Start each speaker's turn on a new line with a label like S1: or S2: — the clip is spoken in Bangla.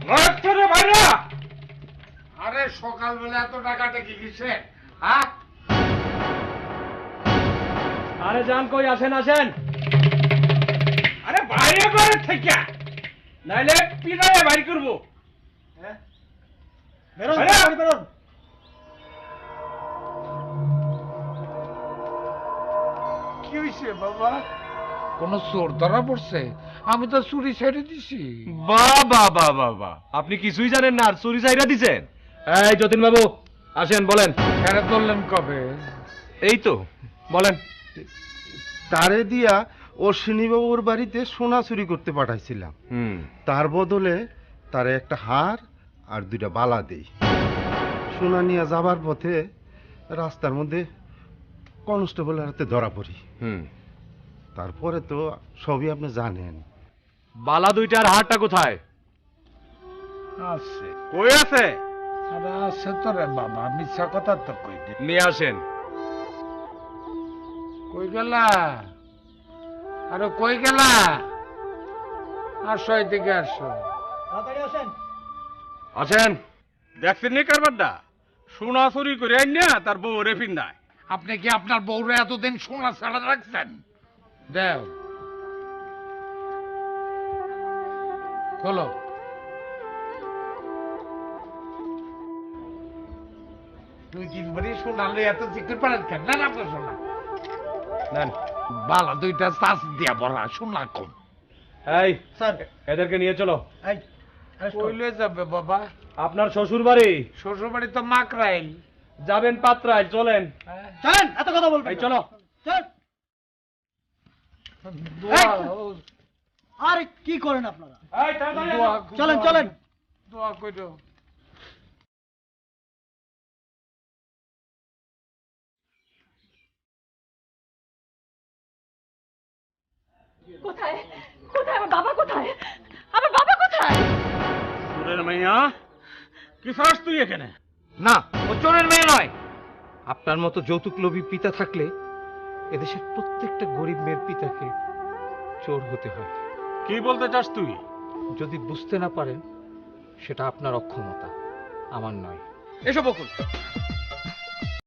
S1: আরে সকালবেলা এত টাকাটা কি কিসে? হ্যাঁ,
S2: আরে যান কই, আসেন আসেন।
S1: আরে বাইরে করে থেকে নাইলে পিড়ায় বাইর করবো। কি হয়েছে বাবা? কোন চোর ধরা পড়ছে? আমি তো চুরি ছেড়ে দিছি।
S2: বাবা বাবা বাবা, আপনি কিছুই জানেন না আর চুরি চাইরা দিছেন? এই যতীন বাবু আসেন, বলেন।
S1: ফেরত ধরলেন কবে?
S2: এই তো, বলেন।
S3: তারে দিয়া অশ্বিনীবাবুর বাড়িতে সোনা চুরি করতে পাঠাইছিলাম। তার বদলে তারে একটা হার আর 2টা বালা দেই। সোনা নিয়ে যাবার পথে রাস্তার মধ্যে কনস্টেবলের হাতে ধরা পড়ি। তারপরে তো সবই আপনি জানেন।
S2: বালা 2টার হারটা কোথায়?
S1: আছে।
S2: কই আছে?
S1: আরে আছে তো রে বাবা, মিথ্যা কথা তো কই দি।
S2: নিয়ে আসেন।
S1: কই গেলা? আরে কই গেলা? আসো এদিকে আসো।
S2: আসেন। দেখছেন নি কারবারটা? সোনা চুরি করে আইন না তার বউ রেফিন নাই।
S1: আপনি কি আপনার বউরে এতদিন সোনা ছাড়া রাখছেন? দেও, খোলো। দুই তিন বারই শোনালে এত চিকন পারেন কেন? না আপনার শোনা
S2: নেন।
S1: বালা 2টা চাষ দিয়া ভরা, শোনা কম।
S2: এই স্যার, এদেরকে নিয়ে চলো।
S1: কইলে যাবে বাবা?
S2: আপনার শ্বশুর বাড়ি।
S1: শ্বশুর বাড়ি তো মাকড়াইল।
S2: যাবেন পাত্রায়, চলেন।
S4: চলেন, এত কথা বলবেন
S2: এই
S4: না।
S2: চলো।
S4: চল। আরে কি করেন আপনারা?
S2: এই তাড়াতাড়ি
S1: দোয়া
S2: আসো।
S4: চলেন চলেন।
S1: দোয়া কইরো।
S5: কোথায় কোথায় আমার বাবা? কোথায় আমার বাবা? কোথায়?
S2: সুরের মাইয়া, কি চাস তুই এখানে?
S3: না, ও চোরের মেয়ে নয়। আপনার মতো যৌতুক লোভী পিতা থাকলে এদেশের প্রত্যেকটা গরিব মেয়ের পিতাকে চোর হতে হয়।
S2: কি বলতে চাস তুই?
S3: যদি বুঝতে না পারেন সেটা আপনার অক্ষমতা, আমার নয়।
S2: এসো বকুল,